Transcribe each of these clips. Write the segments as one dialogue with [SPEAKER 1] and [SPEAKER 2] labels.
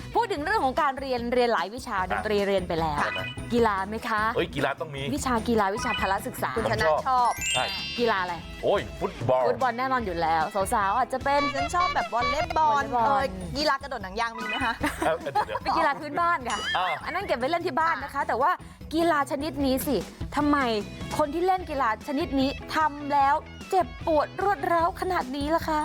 [SPEAKER 1] พูดถึงเรื่องของการเรียนหลายวิชาดนตรีเรียนไปแล้วกีฬาไหมคะ
[SPEAKER 2] กีฬาต้องมี
[SPEAKER 1] วิชากีฬาวิชาพละศึกษา
[SPEAKER 3] คุณชนะชอบ
[SPEAKER 2] ใช่
[SPEAKER 1] กีฬาอะไร
[SPEAKER 2] ฟุตบอล
[SPEAKER 1] แน่นอนอยู่แล้วสาวๆอาจจะเป็น
[SPEAKER 3] ฉันชอบแบบวอลเลย์บอลกีฬากระโดดหนังยางมีไหมคะ
[SPEAKER 1] เป็นกีฬาพื้นบ้านค่ะอันนั้นเก็บไว้เล่นที่บ้านนะคะแต่ว่ากีฬาชนิดนี้สิทำไมคนที่เล่นกีฬาชนิดนี้ทำแล้วเจ็บปวดรวดร้าวขนาดนี้ล่ะคะ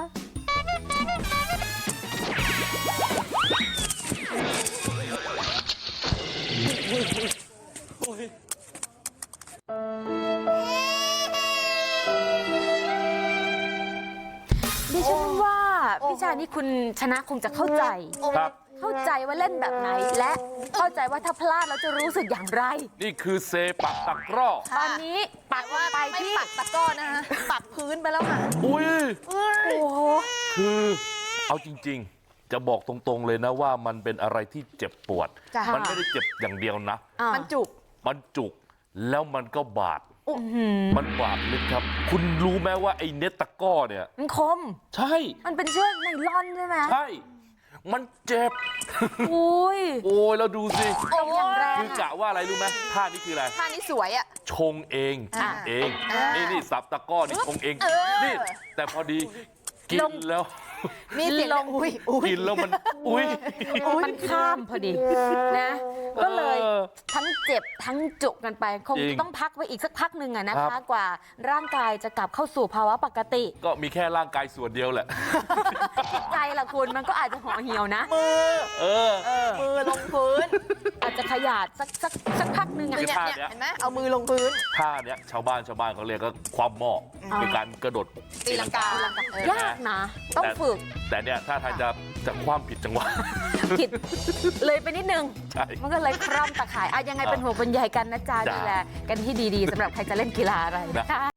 [SPEAKER 1] ดิฉันว่าวิชานี้คุณชนะคงจะเข้าใจเข้าใจว่าเล่นแบบไหนและเข้าใจว่าถ้าพลาดแล้วจะรู้สึกอย่างไร
[SPEAKER 2] นี่คือเซปักตะกร้อ
[SPEAKER 1] ตอนนี้ปักว่าไปที่
[SPEAKER 3] ปักตะก้อนะคะปักพื้นไปแล้วค่ะ
[SPEAKER 1] โอ้โห
[SPEAKER 2] คือเอาจริงๆจะบอกตรงๆเลยนะว่ามันเป็นอะไรที่เจ็บปวดมันไม่ได้เจ็บอย่างเดียวนะ
[SPEAKER 3] มันจุก
[SPEAKER 2] แล้วมันก็บาดมันบาดลึกครับคุณรู้ไหมว่าไอ้เน็ตตะก้อเนี่ย
[SPEAKER 1] มันคม
[SPEAKER 2] ใช่
[SPEAKER 1] มันเป็นเชือกไนล่อนใช่ไหม
[SPEAKER 2] ใช่มันเจ็บ
[SPEAKER 1] โอ้ย
[SPEAKER 2] แล้วดูสิ
[SPEAKER 1] อย่างแรง
[SPEAKER 2] คือกะว่าอะไรรู้ไหมท่านี้คืออะไร
[SPEAKER 3] ท่านี้สวยอ่ะ
[SPEAKER 2] ชงเองกินเองนี่สับตะก้อนี่ชงเองนี่แต่พอดีกินแล้ว
[SPEAKER 3] มีเสียงลง
[SPEAKER 2] กินแล้วมัน
[SPEAKER 1] มันข้ามพอดีนะก็เลยทั้งเจ็บทั้งจุกกันไปคงต้องพักไว้อีกสักพักหนึ่งนะคะกว่าร่างกายจะกลับเข้าสู่ภาวะปกติ
[SPEAKER 2] ก็มีแค่ร่างกายส่วนเดียวแหละ
[SPEAKER 1] จิตใจล่ะคุณมันก็อาจจะห่อเหี่ยวนะ
[SPEAKER 3] มือลงพื้น
[SPEAKER 1] อาจจะขยาดสักพักหนึ่ง
[SPEAKER 3] เนี่ยเห็นไหมเอามือลงพื้น
[SPEAKER 2] ท่าเนี้ยชาวบ้านเขาเรียกก็ความหม้อเป็นการกระโดด
[SPEAKER 3] ตีลังกาย
[SPEAKER 1] ากนะต้องฝึก
[SPEAKER 2] แต่เนี่ยถ้าทางจะคว่ำผิดจังหวะ
[SPEAKER 1] ผิดเลยไปนิดนึงมันก็เลยคร่ำตะข่ายยังไงเป็นหัวเป็นใยกันนะจ๊ะดูแลกันที่ดีๆสำหรับใครจะเล่นกีฬาอะไรนะคะ